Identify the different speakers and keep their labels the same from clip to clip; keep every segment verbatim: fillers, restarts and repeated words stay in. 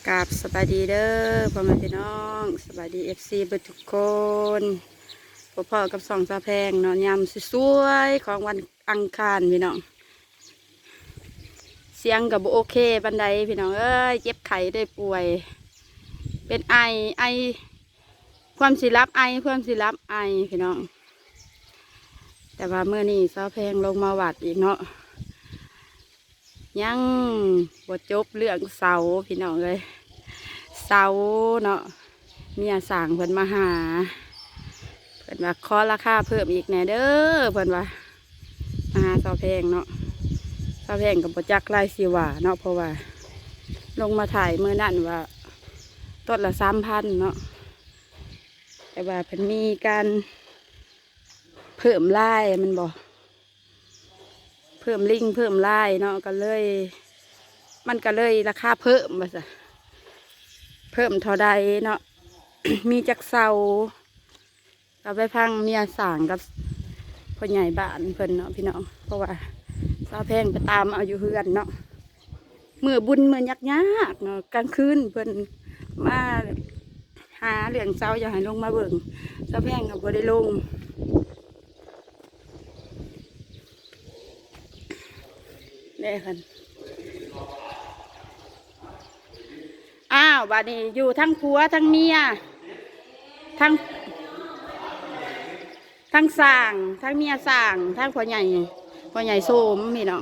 Speaker 1: กราบสบายดีเด้อพ่อแม่พี่น้องสบายดีเอฟซีเบิดทุกคนพ่อพ่อกับสองสาแพงเนาะยำสวยๆของวันอังคารพี่น้องเสียงกับโอเคบันไดพี่น้องเอ้ยเจ็บไข้ได้ป่วย เป็นไอไอความสิรับไอความสิรับไอพี่น้องแต่ว่าเมื่อนี้สาแพงลงมาวัดอีกเนาะยังบทจบเรื่องเสาพี่น้องเลยเสาเนาะเมียสั่งเพิ่นมาหาเพิ่นว่าขอราคาเพิ่มอีกแน่เด้อเพิ่นว่ามาหาเสาแพงเนาะเสาแพงกับบจักไล่สิว่าเนาะเพราะว่าลงมาถ่ายเมื่อนั่นว่าต้นละสามพันเนาะแต่ว่าเพิ่นมีการเพิ่มไล่มันบอกเพิ่มลิงเพิ่มไล่เนาะก็เลยมันก็เลยราคาเพิ่มมาซะเพิ่มเท่าใดเนาะ มีจักเสาเราไปพังเมียสั่งกับพ่อใหญ่บ้านเพิ่นเนาะพี่น้องเพราะว่าสาวแพงไปตามเอาอยู่เฮือนเนาะเมื่อบุญเมื่อยักยากเนาะกลางคืนเพิ่นมาหาเหลืองเสาอย่าให้ลงมาเบิ่งสาวแพงก็บ่ได้ลงได้คันอ้าวบัดนี้อยู่ทั้งผัวทั้งเมียทั้งทั้งสร้างทั้งเมียสร้างทั้งพ่อใหญ่พ่อใหญ่โสมพี่น้อง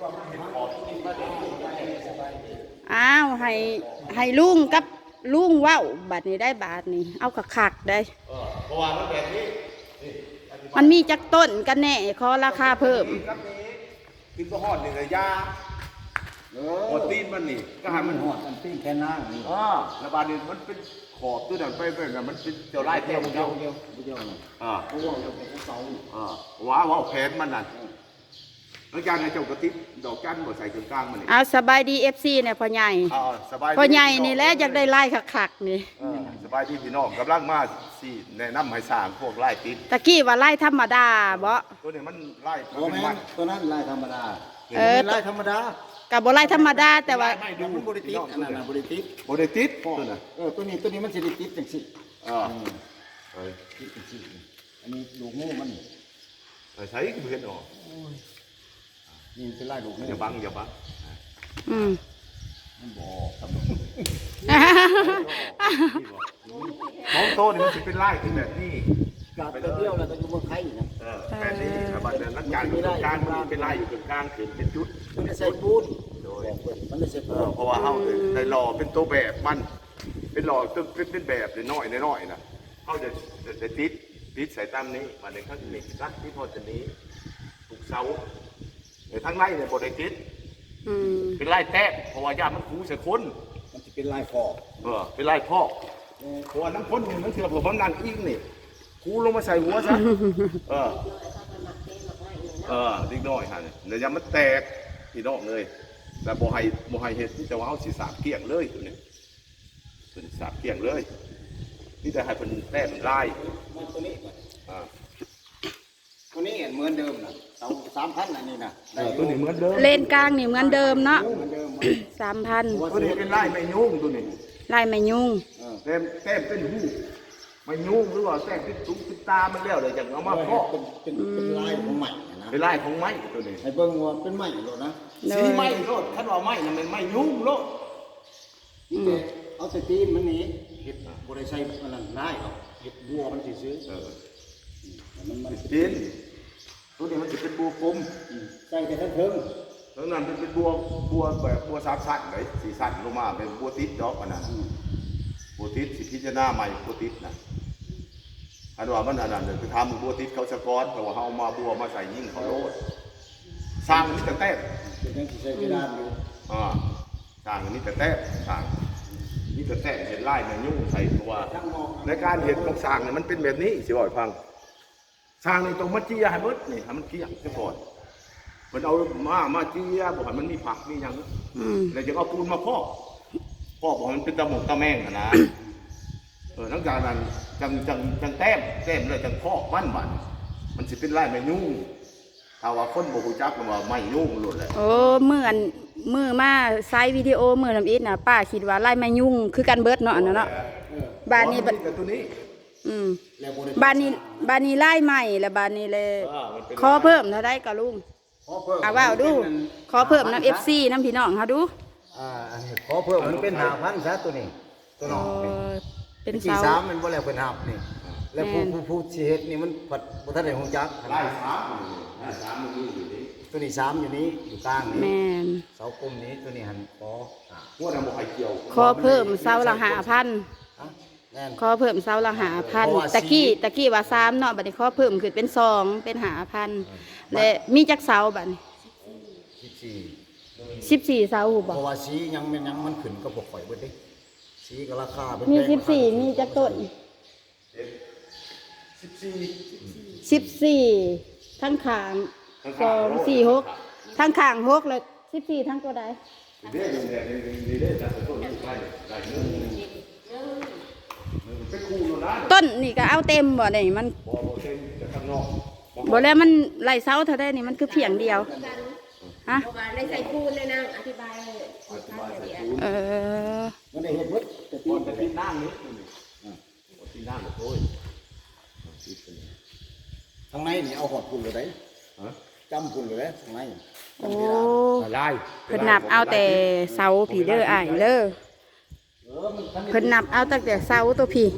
Speaker 1: อ้าวให้ให้ลุงกับลุงว้าวบัดนี้ได้บาทนี้เอาขักๆได้เพราะว่ามันแบบนี้มันมีจักต้นกันแน่ขอราคาเพิ่ม
Speaker 2: กินก็หอดนี่เลยยาหอดตีนมันนี่ก็ให้มันหอดมันตีนแค่นั่งนี่อ๋อแล้วบาดนี้มันเป็นขอบตัวนั้นไปเป็นมันเป็นเจ้าไร่เดียวเดียวเดียวเดียวอ่าเพราะว่าเราเป็นเสาอ่าว้าว้าแผนมันนั่นแล้วการให้เจ้ากระติบดอกจันทร์บ่ใส่กลางมันนี่
Speaker 1: เอาสบายดีเอฟซีเนี่ยพ่อใหญ่พ่อใหญ่นี่แหละอยากได้ไล่ขักๆนี่
Speaker 2: สบายดีพี่น้องกำลังมาสิแนะนำให้สร้างพวกไร่ติด
Speaker 1: ตะกี้ว่าไล่ธรรมดาบ่
Speaker 2: ตัวนี้มันไร่
Speaker 3: โอ้แม่ตัวนั้นไร่ธรรมดา
Speaker 1: เออ
Speaker 3: ไร่ธรรมดา
Speaker 1: กับบ่ไล่ธรรมดาแต่ว่า
Speaker 3: ไม่ดูบริติดอันนั้นบริติด
Speaker 2: บริติดตัว
Speaker 3: น่ะเออตัวนี้ตัวนี้มันสิริติดจังสิ
Speaker 2: อ่า
Speaker 3: เออติดจังสิอันนี้ลูกงูมัน
Speaker 2: ใช้ก็เห็นออก
Speaker 3: นี่เป็นไร่ลูกงู
Speaker 2: อย่าบังอย่าบัง
Speaker 1: อืม
Speaker 3: มันบอกครับ
Speaker 2: ของโตนี่มันจะเป็นไร่ที่แบบนี้
Speaker 3: กาดเดียวแล้วก็อยู่เมืองไทยนะ
Speaker 2: เออแบบนี้แต่บัดนั้นนักการอยู่ตรงกลางมันเป็นไร่อยู่ตรงกลางขึ้นเป็นจุด
Speaker 3: มันใส่ปูนโดยมันใส่ปูน
Speaker 2: เพราะว่าเขาในหล่อเป็นตัวแบบมันเป็นหล่อเป็นเป็นแบบน้อยน้อยนะเขาจะจะติดติดใส่ตามนี้มาในข้างนี้รักที่พอจะนี้ถูกเสาในทั้งไร่เนี่ยบริติดเป็นไร่แทะเพราะว่าญาติมันคูเสียคน
Speaker 3: มันจะเป็นไร่ฟอก
Speaker 2: เออเป็นไร่พ่อเพราะว่าน้ำพ่นนี่มันเถื่อนผมมันนั่งอิงนี่คูลงมาใส่หัวซะเออเออดิ้งน้อยฮะเนี่ยเดี๋ยวยังมันแตกที่นอกเลยแต่โบไฮโบไฮเห็ดที่จะว่าเอาสีสาบเกี่ยงเลยตัวนี้ตัวนี้สาบเกี่ยงเลยนี่แต่ให้เป็นแต้มลาย
Speaker 3: ตัวนี้
Speaker 2: อ่า
Speaker 3: ตัวนี้เหมือนเดิมนะเสาสามพันอันนี้นะ
Speaker 2: ตัวนี้เหมือนเดิม
Speaker 1: เลนกลางนี่เหมือนเดิมเนาะสามพัน
Speaker 2: ตัวนี้เป็นลายไม่ยุ่งตัวนี้
Speaker 1: ลายไม่ยุ่ง
Speaker 2: เต็มเต็มเป็นหูไม่ยุ่งหรือว่าแต้มเป็นตุ้งเป็นตามันแล้วเลยจากเอามาเพาะ
Speaker 3: เป็นเป็นเป็นลายของใหม่นะ
Speaker 2: เป็นลายของไม้ตัวนี้
Speaker 3: ให้เบิ่งว่าเป็นใหม่โลดนะ
Speaker 2: สีไม้โลดคันว่าไม้น่ะมันไม่ยุ่งโลด
Speaker 3: นี่แต่เอาแต่ตีนมันนี้เห็ดบริษัทมันนั่นได้เอาเห็ดบัวมันสิซื้อ
Speaker 2: เออมันมันตีนตัวนี้มันจะเป็นบัวกลม
Speaker 3: ใส่แต่ทั้งเพิ่ง
Speaker 2: แล้วนั่นเป็นบัวบัวแบบบัวสามสั้นเลยสีสั้นลงมาเป็นบัวติดดอกอันนั้นบัวติดสิพิจารณาใหม่บัวติดนะอันว่ามันอันนั้นเลยคือทำบัวติดเขาสะก้อนแต่ว่าเขามาบัวมาใส่ยิ่งเขาโลดสร้างนี่แต่แต้ม
Speaker 3: เป็นยังที่ใช้เวลาอยู่
Speaker 2: อ่าสร้างนี่แต่แต้มสร้างนี่แต่แต้มเห็นไล่แมงยุ่งใส่ตัวในการเห็นของสร้างเนี่ยมันเป็นแบบนี้สิบ่อยฟังสร้างในตรงมัดเจียให้เบิดนี่ให้มันเกี่ยงซะก่อนมันเอามามาเจียบอกให้มันมีผักมีอย่างนั้นแล้วจะเอาปูนมาพอกพอกบอกมันเป็นตะหมกตะแมงนะเออทั้งการนั้นจังจังจังแต้มแต้มเลยจังพอกมันมันมันจะเป็นไร่ไม่ยุ่งถ้าว่าคนบ่รู้จักมันว่าไม่ยุ่งหลุดเลย
Speaker 1: โอ้เหมือนมือมาไซส์วิดีโอมือทำอิฐน่ะป้าคิดว่าไล่ไม้ยุ่งคือกันเบิดเนาะอันนั้นเนาะบ้านนี้
Speaker 2: บัดตัวนี้
Speaker 1: อืม
Speaker 3: แล้วบ่ได้
Speaker 1: บ้านนี้บ้านนี้ไล่ใหม่แล้วบ้านนี้เลย
Speaker 2: อ่ามันเป็น
Speaker 1: ขอเพิ่มเท่าได้ก็ลุง
Speaker 3: ขอเพิ่ม
Speaker 1: เอาว่าดูขอเพิ่มน้ำ เอฟ ซี น้ำพี่น้องเฮาดู
Speaker 3: อ่าอันนี้ขอเพิ่มมันเป็นห้าพันซะตัวนี้ตัวน้องนี่
Speaker 1: เออเป็น
Speaker 3: สี่
Speaker 1: เสา
Speaker 3: สามมันบ่แล้วเพิ่นหับนี่แล้วผู้ผู้ผู้สิเฮ็ดนี่มันผัดบ่ทันได้ฮู้จัก
Speaker 2: ไล่สามไล่สามมันมีอยู่นี่
Speaker 3: ตัวนี้สามอยู่นี้อยู่กลาง
Speaker 1: แม
Speaker 3: นี่
Speaker 1: น
Speaker 3: เสากลมนี้ตัวนี้หันขออ่า
Speaker 2: พวกนั้นบ่ใครเกี่ยว
Speaker 1: ขอเพิ่มเสาละห้าพัน
Speaker 3: ฮะแม่น
Speaker 1: ขอเพิ่มเสาละห้าพัน
Speaker 3: เพราะว่า
Speaker 1: ตะกี้
Speaker 3: สี
Speaker 1: ตะกี้ว่าสามเนาะบัดนี้ขอเพิ่มขึ้นเป็นสองเป็นห้าพันและมีจักเสาบัดนี้
Speaker 3: สิบสี่
Speaker 1: สิบสี่เสาหู
Speaker 3: เพ
Speaker 1: บ่
Speaker 3: ราะว่าสียังมันยังมันขึ้นกับพวกข่อยเบิดเด้สีก็ราคาเป็น
Speaker 1: มี
Speaker 3: แพง
Speaker 1: สิบสี่มีจักต้น
Speaker 2: สิบสี่
Speaker 1: สิบสี่ทั้งขางสองสี่หกทั้งขางหกเลยสิบสี่ทั้งตัวใด
Speaker 2: เด้เด้เด้เด้เด้จัดต้นนี้ไล่ไล่เนื้อเป็นคู่โน่นนะ
Speaker 1: ต้นนี่ก็เอาเต็มบ่นี่มัน
Speaker 2: บ่บ่เต็มจากข้างนอก
Speaker 1: บ่แล้วมันไล่เสาเท่าได้นี่มันคือเพียงเดียวฮะ
Speaker 4: เพราะว่าได้ใส่ปูนเลยนะอธิบายเลย
Speaker 2: อธิบายใส่
Speaker 4: เ
Speaker 2: คูณ
Speaker 1: เออ
Speaker 3: มันได้เฮ็ดเบิดแต่
Speaker 2: ก่
Speaker 3: ตี
Speaker 2: อน
Speaker 3: น
Speaker 2: จะติดน้ำนี่อ่าติดน้ำโอ้ย
Speaker 3: ทางในนี่เอาหอดพุ่นเลยได้
Speaker 2: ฮะ
Speaker 3: จำพุ่นเลยได้ทางใน
Speaker 1: โอ้
Speaker 2: ไล่
Speaker 1: เพิ่นนับเอาแต่เสาผีเด้ออ้ายเด้อ
Speaker 3: เออมันคัน
Speaker 1: เพิ่นนับเอาตั้งแต่เสาตัวผี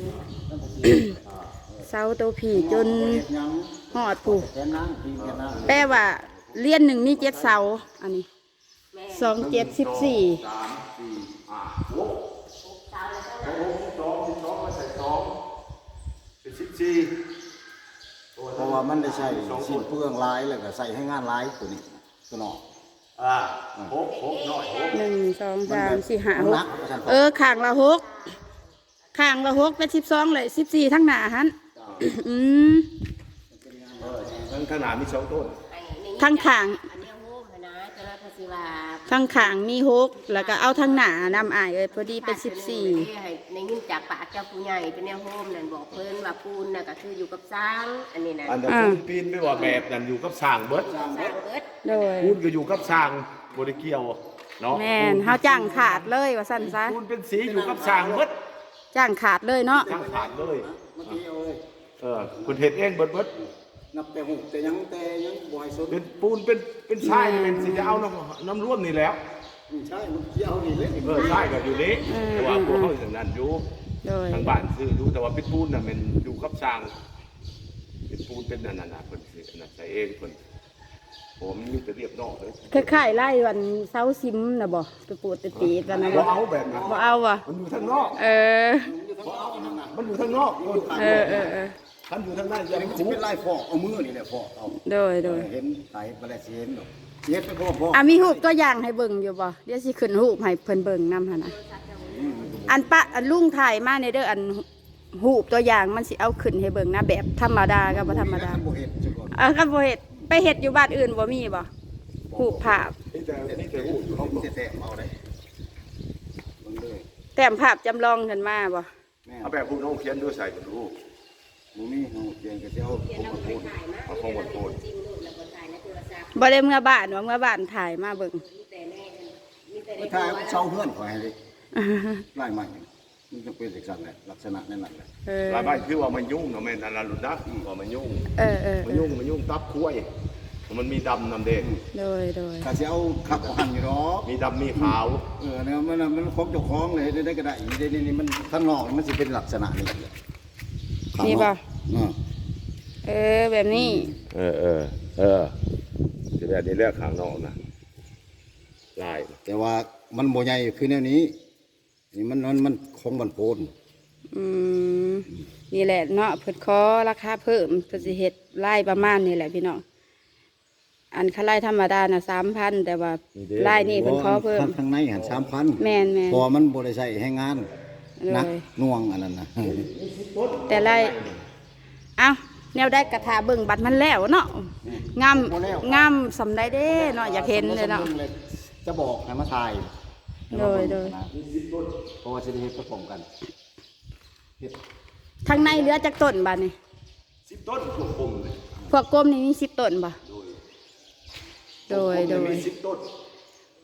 Speaker 1: เสาตัวผีจน
Speaker 3: เฮ็ดหยัง
Speaker 1: ฮอดผู้
Speaker 3: แค่นั้นพี่แค่นั้น
Speaker 1: แปลว่าเลียนหนึ่งมีเจ็ดเสาอันนี้สองเจ็ดสิบสี่
Speaker 2: สามสี่ห้าหกสองหกสองสิบสองมาใส่สองเป็นสิบสี่
Speaker 3: เพราะว่ามันได้ใช้สิ้นเปลืองหลายแล้วก็ใส่ให้งานหลายตัวนี้ตัวน้อง
Speaker 2: อ่าหกหกน้อยหก
Speaker 1: หนึ่งสองสามสี่ห้าห
Speaker 3: หนั
Speaker 1: ก
Speaker 3: กว่าซั่น
Speaker 1: เออข้างละหกข้างละหกเป็นสิบสองเลยสิบสี่ทั้งหน้าหันอืม
Speaker 2: ทั้งขนาดมีสองต้น
Speaker 1: ทั้งข้าง
Speaker 4: อันนี้โฮมนะจะรับภาษีว่า
Speaker 1: ทั้งข้างมีหกแล้วก็เอาทั้งหน้านำอ้ายเลยพอดีเป็นสิบสี่
Speaker 4: ให้ในยินจากปากเจ้าผู้ใหญ่เป็นแนวโฮมนั่นบอกเพิ่นว่าปูนน่ะก็คืออยู่กับสร้างอันนี้นะ
Speaker 2: อันนั้นปูนปีนไม่ว่าแบบนั้นอยู่กับสร้างเบิด
Speaker 4: สร้างเบิด
Speaker 1: โดย
Speaker 2: ปูนก็อยู่กับสร้างบริเกียวเนาะ
Speaker 1: แม่นเฮาจ้างขาดเลยว่าซั่นซะ
Speaker 2: ปูนเป็นสีอยู่กับสร้างเบิด
Speaker 1: จ้างขาดเลยเนาะ
Speaker 2: สร้างขาดเลย
Speaker 3: เมื่อกี้เอาเลย
Speaker 2: เออคุณเห็ดเองเบิดเบิด
Speaker 3: นับแต่หุบแต่ยังแต่ยังบ่ให้สน
Speaker 2: เป็นปูนเป็นเป็นทรายเป็นสีจะเอาน้ำน้ำร่วมนี่แล้ว
Speaker 3: อืมใช่มันเกี่ยวนี่เลย
Speaker 2: เออทรายก็อยู่นี้แต่ว่าพวกเขาอย่างนั้นอยู่
Speaker 1: โดย
Speaker 2: ทางบ้านซื้อดูแต่ว่าเป็นปูนน่ะมันอยู่กับสร้างเป็นปูนเป็นนั่นน่ะเพิ่นสิอันนั้นใส่เองเพิ่นผมมีแต่เรียบนอกเลย
Speaker 1: คล้ายๆไล่วันเสาซิมน่ะบ่ไปปวดไปตีดกันนะ
Speaker 2: บ่
Speaker 1: บ่
Speaker 2: เอาแบบนั้น
Speaker 1: บ่เอาว่ะ
Speaker 2: มันอยู่ทางนอก
Speaker 1: เออ
Speaker 2: มันอยู่ทางนอก
Speaker 1: เออเออเออ
Speaker 2: ท่านอยู่ทางนั้นจะ
Speaker 3: อันนี้มันจะ
Speaker 2: คู
Speaker 3: เป็นลายฟอกเอามือนี่แหละฟอกเอา
Speaker 1: โดยโดย
Speaker 3: เห็นไตไปแล้วสิเห็นดอกสิเฮ็ดไปพ่อพ่อ
Speaker 1: อ่ะมีรูปตัวอย่างให้เบิ่งอยู่บ่เดี๋ยวสิขึ้นรูปให้เพิ่นเบิ่งนำหั่นน่ะอันปะอันลุงถ่ายมาในเด้ออันรูปตัวอย่างมันสิเอาขึ้นให้เบิ่งนะแบบธรรมดากับบ่ธรรมดา
Speaker 3: บ่เห็นจังก่อน
Speaker 1: เออก็บ่เฮ็ดไปเฮ็ดอยู่บ้านอื่นบ่มีบ่รูปภาพ
Speaker 2: นี่แต่นี่แต่หูอยู่
Speaker 3: เขา
Speaker 2: เขา
Speaker 3: สิแตะเอาได้มันเลย
Speaker 1: แต้มภาพจำลองขึ้นมาบ่
Speaker 3: แม่
Speaker 2: เอาแบบผู้น้องเขียนด้วยใส่กันดู
Speaker 3: บ่มีเฮาเขียนก็สิเอาผมมาพูด
Speaker 2: เอาของหมดโทษ
Speaker 4: จริงลูกแล้วก็ถ่ายในโทรศัพท์
Speaker 1: บ่ได้เมื่อบ้านว่าเมื่อบ้านถ่ายมาเบิ่ง
Speaker 4: มีแต่แม่มีแต่
Speaker 3: ไป
Speaker 4: ใน
Speaker 3: ถ่าย
Speaker 4: ตัว
Speaker 3: เช่าเฮือนขอให้ดิลายใหม่มันจะเป็นลักษณะแหละลักษณะนั่นแหละ
Speaker 1: เออ
Speaker 2: หลายบ้านคือว่ามันยุ่งเนาะแม่นั่นล่ะหลุดนะว่ามันยุ่ง
Speaker 1: เออเออ
Speaker 2: มันยุ่งมันยุ่งตับคุ้ยมันมีดำนำเด็ก
Speaker 1: โดยโดย
Speaker 3: ก็สิเอาขับหันอยู่ดอก
Speaker 2: มีดำมีขาว
Speaker 3: เออเนี่ยมันมันของเจ้าของเลยได้ก็ได้นี่นี่นี่มันข้างนอกมันสิเป็นลักษณะนี้
Speaker 1: นี่ป่ะ
Speaker 3: อ่า
Speaker 1: เออแบบนี้
Speaker 2: เออเออเออจะแบบนี้เลือกข้างนอกนะลาย
Speaker 3: แต่ว่ามันโบใหญ่คือแนวนี้นี่มันมันมันของบันโพน
Speaker 1: อืมนี่แหละเนาะเพิ่นขอราคาเพิ่มเพิ่นสิเฮ็ดไล่ประมาณนี่แหละพี่น้องอันค่าไล่ธรรมดาน่ะสามพันแต่ว่าไล่นี่เพิ่นขอเพิ่ม
Speaker 3: ทางในหันสามพัน
Speaker 1: แม่นแม่น
Speaker 3: พอมันบริใช้ให้งาน
Speaker 1: เลย
Speaker 3: นักน่วงอันนั้นนะ
Speaker 1: แต่ไล่เอ้าแนวได้กระทาเบิ่งบัตรมันแล้วเนาะงามงามสำได้เด้เนาะอยากเห็นเลยเนาะ
Speaker 3: จะบอกให้มาถ่าย
Speaker 1: โดยโดย
Speaker 3: เพราะว่าจะได้เฮ็ดประกอบกันเฮ็ด
Speaker 1: ทางในเหลือจักต้นบัดนี่
Speaker 2: สิบต้นพวกผมเลย
Speaker 1: พวกกลมนี่มีสิบต้นบ่โดยโดย
Speaker 2: มีสิบต้น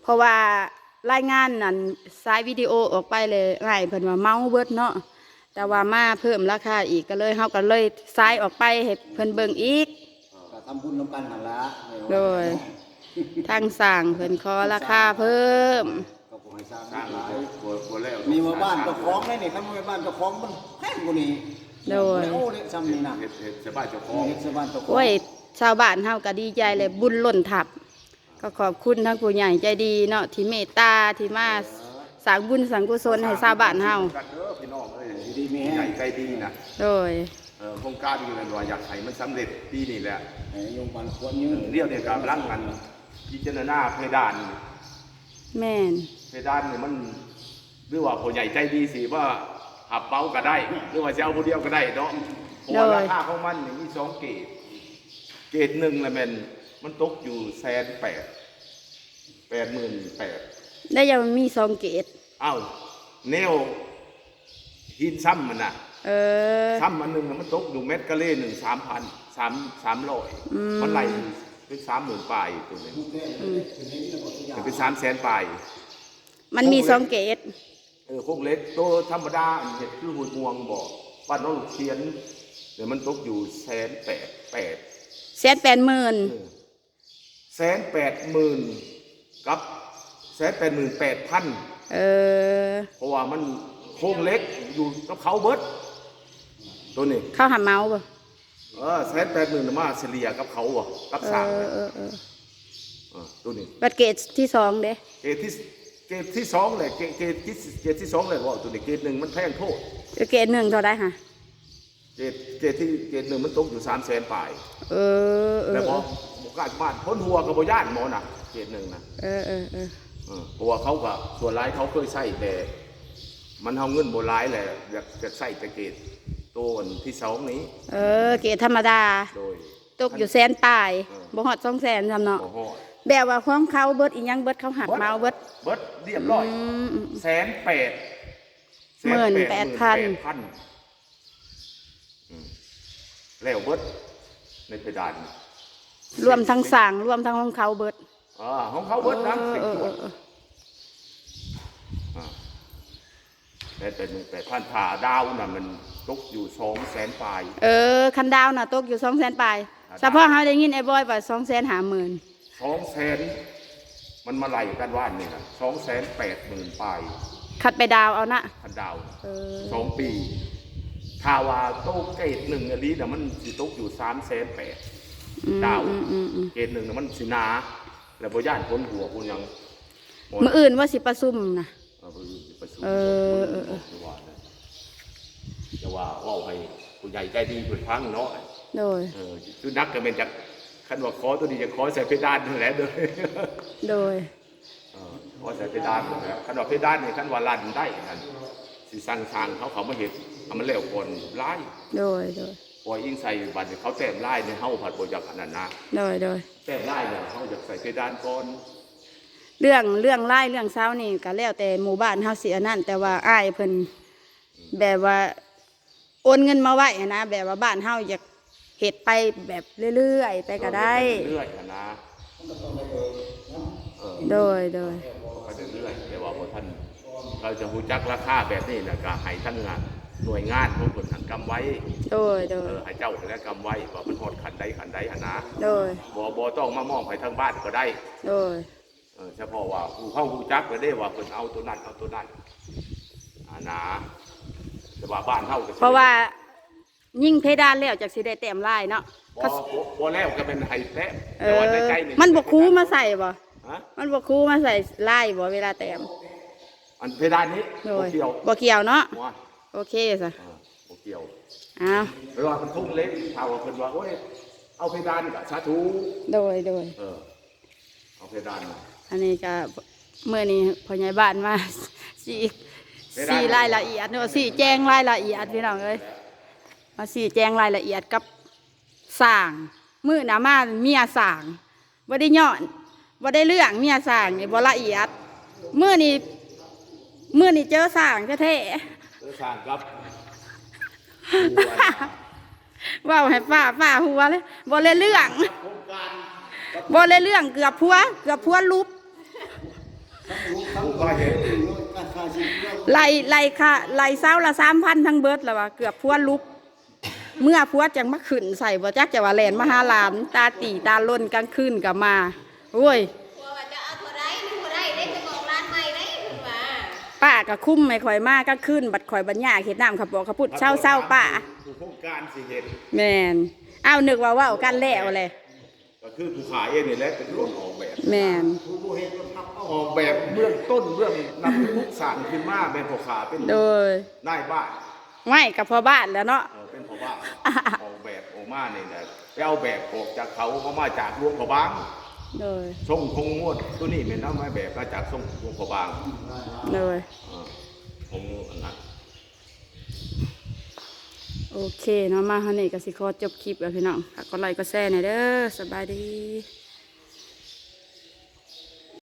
Speaker 1: เพราะว่ารายงานนั่นสายวิดีโอออกไปเลยง่ายเพิ่นว่าเมาเบิดเนาะแต่ว่ามาเพิ่มราคาอีกก็เลยเฮาก็เลยสายออกไปให้เพิ่นเบิ่งอีก
Speaker 3: ก็ทำบุญนำกันนั่นละ
Speaker 1: โดยทางสร้างเพิ่นขอราคาเพิ่ม
Speaker 3: ก็ขอให้สร้าง
Speaker 2: สร้าง
Speaker 3: หลาย
Speaker 2: บัวบัวแล้ว
Speaker 3: มีมาบ้านเจ้าของได้นี่ถ้ามาบ้านเจ้าของมันแพงกว่านี้
Speaker 1: โดย
Speaker 3: โอ้เล็กซ้ำนี่นะ
Speaker 2: เฮ็ดเฮ็ดชาวบ้านเจ้าของ
Speaker 3: เฮ็ดชาวบ้านเจ้าของ
Speaker 1: โอ้ยชาวบ้านเฮาก็ดีใจเลยบุญล้นทับก็ขอบคุณทั้งผู้ใหญ่ใจดีเนาะที่เมตตาที่มาสร้างบุญสร้างกุศลให้ชาวบ้านเฮา
Speaker 2: กันเด้อพี่น้องเอ้ย
Speaker 3: ดีๆมี
Speaker 2: ให
Speaker 3: แห้
Speaker 2: ญ่
Speaker 3: ง
Speaker 2: ใจดีนะ
Speaker 1: โดย
Speaker 2: เออโครงการอยู่ในว่าอยากให้มันสำเร็จปีนี้แหละ
Speaker 3: ให้โยมบันควรยื
Speaker 2: เอน อเรียวเนี่ยกำลังกันพิจารณาเพดาน
Speaker 1: แม่น
Speaker 2: เพดานเนี่ยมันหรือว่าผู้ใหญ่ใจดีสิว่าหับเป้าก็ได้หรือว่าจะเอาผู้เดียวก็ได้เนาะเพราะว่าราคาของมันนี่มีสองเกรดเกรดหนึ่งละแม่นมันตกอยู่แสนแปดแปดหมื่นแปด
Speaker 1: ได้ยังมีสองเกต
Speaker 2: เอ้าแนวหินซ้ำมันน่ะ
Speaker 1: เออ
Speaker 2: ซ้ำอันหนึ่งน่ะมันตกอยู่เม็ดกะเล่หนึ่งสามพันสามสามร้อย
Speaker 1: อืม
Speaker 2: มันไหลเป็นสามหมื่นปลายตัวนี้เป็นสามแสนปลาย
Speaker 1: มันมีสองเกต
Speaker 2: เออพวกเล็กตัวธรรมดาอันเห็ดคือหุ่นงวงบอกบ้านน้องลูกเชียนเดี๋ยวมันตกอยู่แสนแปดแปด
Speaker 1: แสนแปดหมื่น
Speaker 2: แสนแปดหมื่นกับแสนแปดหมื่นแปดพัน
Speaker 1: เออ
Speaker 2: เพราะว่ามันโค้งเล็กอยู่กับเขาเบิดตัวนี้
Speaker 1: เข้าหาเมาบ่
Speaker 2: เออแสนแปดหมื่นมาเฉลี่ยกับเขาอ่ะกับ
Speaker 1: เอ
Speaker 2: สาม
Speaker 1: อ
Speaker 2: น่ะ
Speaker 1: เออเออ
Speaker 2: เออตัวนี้
Speaker 1: บัตรเกตที่สองเด้
Speaker 2: เกรดที่เกรดที่สองเลยเกรดเกรดที่เกรดที่สองเลยว่าตัวนี้เกรดหนึ่งมันแพงโทษ
Speaker 1: เกตหนึ่งเท่าไรฮะ
Speaker 2: เกรดเกรดที่เกรดหนึ่งมันตกอยู่สามแสนปลาย
Speaker 1: เออเออ
Speaker 2: แล้วพอหมอกาบ้านพ้นหัวกับโบย่านหมอน่ะเกรดหนึ่งนะ
Speaker 1: เออเออเออ
Speaker 2: เออเพราะว่าเขากับส่วนร้ายเขาเคยใส่แต่มันเอาเงินโบร้ายแหละอยากจะใส่แต่เกรดตัวอันที่สองนี้
Speaker 1: เออ เกตธรรมดา
Speaker 2: โดย
Speaker 1: ตกอยู่แสนปลายบ่ฮอดสองแสนทำเนาะ
Speaker 2: โอ้โห
Speaker 1: แบบว่าของเขาเบิดอีหยังเบิดเขาหักเมาเบิด
Speaker 2: เบิดเรียบร้อย
Speaker 1: อืมอืม
Speaker 2: แสนแปด
Speaker 1: หมื่นแปดพัน
Speaker 2: พันอืมแล้วเบิดในเพดาน
Speaker 1: รวมทั้งสั่งรวมทั้งของเขาเบิด
Speaker 2: อ่าของเขาเบิดนะ
Speaker 1: เอ
Speaker 2: สิบ
Speaker 1: อ
Speaker 2: ข
Speaker 1: เอ
Speaker 2: ว
Speaker 1: อ
Speaker 2: ด
Speaker 1: เออ
Speaker 2: อ่าแต่เป็นแต่พันผ่าดาวน่ะมันตกอยู่สองแสนปลาย
Speaker 1: เออคันดาวน่ะตกอยู่สองแสนปลาย
Speaker 2: ครับ
Speaker 1: เฉพาะเขาได้ยินไอ้บอยว่าสองแสนหาหมื่น
Speaker 2: สองแสนมันมาไล่กันว่านนี่นะสองแสนแปดหมื่นปลาย
Speaker 1: ขัดไปดาวเอานะ
Speaker 2: พันดาว
Speaker 1: เออ
Speaker 2: สองปีถ้าว่าโต๊ะเกตหนึ่งอันนี้น่ะมันสิตกอยู่สามแสนแปด
Speaker 1: อืม
Speaker 2: ดาว
Speaker 1: อืมอืมอืม
Speaker 2: เกตหนึ่งน่ะมันสิหนาแล้วพอย่านพ้นหัวคุณยังหมด
Speaker 1: มื่ออื่นว่าสิประซุ่มนะ
Speaker 2: เอาไปประชุม
Speaker 1: เออเออเออ
Speaker 2: จะว่านะจะว่าเว่าให้ผู้ใหญ่ใจดีผู้ฟังเนาะ
Speaker 1: โดย
Speaker 2: เออคือนักก็เป็นจากขันว่าขอตัวนี้จะขอใส่เพดานนั่นแหละเลย
Speaker 1: โดย
Speaker 2: เออขอใส่เพดานนั่นแหละขันว่าเพดานนี่ขันว่าลั่นได้กันสิสั่งทางเขาเขามาเห็นเอามันเร็วก่อนไล่
Speaker 1: โดยโดย
Speaker 2: ปล่อยอิงใส่บัตรเขาแต้มไล่ในเฮาผัดบอยากอันนั้นนะ
Speaker 1: โดยโดย
Speaker 2: แต้มไล่เนี่ยเขาอยากใส่เพดานก่อน
Speaker 1: เรื่องเรื่องไล่เรื่องเช้านี่ก็แล้วแต่หมู่บ้านเฮาเสียนั่นแต่ว่าอ้ายเพิ่นแบบว่าโอนเงินมาไว้นะแบบว่าบ้านเฮาอยากเฮ็ดไปแบบเรื่อยๆไปก็ได้
Speaker 2: เรื่อยๆอะนะเออ
Speaker 1: โดยโดย
Speaker 2: ไปเรื่อยๆแต่ว่าพอท่านเราจะหูจักราคาแบบนี้นะก็ให้ทั้งงานหน่วยงานของคนหันกำไว้
Speaker 1: โดยโด
Speaker 2: เอย อให้เจ้าและกำไว้ว่ามันหอดขันใดขันใดหนนะ
Speaker 1: โดย
Speaker 2: บ่บ่ต้องมามองไปทางบ้านก็ได้
Speaker 1: โดย
Speaker 2: เออเฉพาะว่าผู้เข้าหูจักก็ได้ว่าเพิ่นเอาตัวนั้นเอาตัวนั้นอ่านะแต่ว่าบ้านเฮาก็สิ
Speaker 1: เพราะว่ายิ่งเพดานแล้วจากสิได้แต้มลายเนาะ
Speaker 2: บ่บ่บ่แล้วก็เป็นไห้แท้
Speaker 1: เอ
Speaker 2: แต่
Speaker 1: อ
Speaker 2: ว่าในใจนี่
Speaker 1: มันบ่คูมาใส่บ่
Speaker 2: ฮะ
Speaker 1: มันบ่คูมาใส่ลายบ่เวลาแต้ม
Speaker 2: อันเพดานนี้
Speaker 1: โด
Speaker 2: บ่
Speaker 1: ย
Speaker 2: เกี่ยว
Speaker 1: บ่เกี่ยวเนาะ
Speaker 2: ว่า
Speaker 1: โอเคซะ
Speaker 2: เออบ่เกี่ยว
Speaker 1: อ้าว
Speaker 2: เวลามันทุ่งเล็กถ้าว่าเพิ่นว่าโอ้ยเอาเพดานก็สาธุ
Speaker 1: โดยโดย
Speaker 2: เออเอาเพดานมา
Speaker 1: อันนี้ก็เมื่อนี้พ่อใหญ่บ้านมา สี่สี่รายละเอียดเนาะสี่แจ้งรายละเอียดพี่น้องเอ้ยมาสี่แจ้งรายละเอียดกับสร้างมือหนามาเมียสร้างบ่ได้ย้อนบ่ได้เรื่องเมียสร้างนี่บ่ละเอียดมือนี้มือนี้เจอสร้างแท้
Speaker 2: เออสร้างครับ
Speaker 1: ๆว่าให้ป้าป้าหัวเลยบ่เลยเรื่องบ่เลยเรื่องเกือบพัวเกือบพัวลุบ
Speaker 2: ผู้ว่าเห็น
Speaker 3: การค่าชีวิต
Speaker 1: ไล่ไล่ค่ะไล่เศร้าละสามพันทั้งเบิดแล้วว่าเกือบพัวลุก เมื่อพัวจังมาขึ้นใส่บ่จักจะว่าแลนมาหาหลานตาตีตาล่นกลางคืนก็มาโอ้ย
Speaker 4: กลัวว่าจะเอาเท่าไรนี่เท่าไรได้ไปบอกร้านใหม่ได้เพิ่นว่า
Speaker 1: ป้าก็คุ้มไม่ข่อยมากก็ขึ้นบัดข่อยบัญญาเฮ็ดน้ำขับบอกขับพุดเศร้าเศร้าๆป้า
Speaker 2: ผู้โครงการสิเห็น
Speaker 1: แม่นอ้าวนึกว่าเว้ากันแล้วเลย
Speaker 2: ก็คือผู้ขายเองนี่แหละเป็นคนออกแบบ
Speaker 1: แม่น
Speaker 3: ผู้ผู้เห็นมันพับเอา
Speaker 2: ออกแบบเบื้องต้นเบื้องนำทุกสารขึ้นมาเป็นผู้ขาเป็น
Speaker 1: โดย
Speaker 2: นายบ้าน
Speaker 1: ไม่กับพ่อบ้านแล้วเนาะ
Speaker 2: เออเป็นพ่อบ้านออกแบบออกมาเนี่ยนะไปเอาแบบออกจากเขาเขามาจากหลวงพ่อบาง
Speaker 1: โดย
Speaker 2: ทรงคงงวดตัวนี้เป็นเอาไม้แบบมาจากทรงหลวงพ่อบาง
Speaker 1: โดย
Speaker 2: เออผมอันนั้น
Speaker 1: โอเคเนาะมาเฮานี่ก็สิขอจบคลิปแล้วพี่น้องฝากกดไลค์กดแชร์หน่อยเด้อสบายดี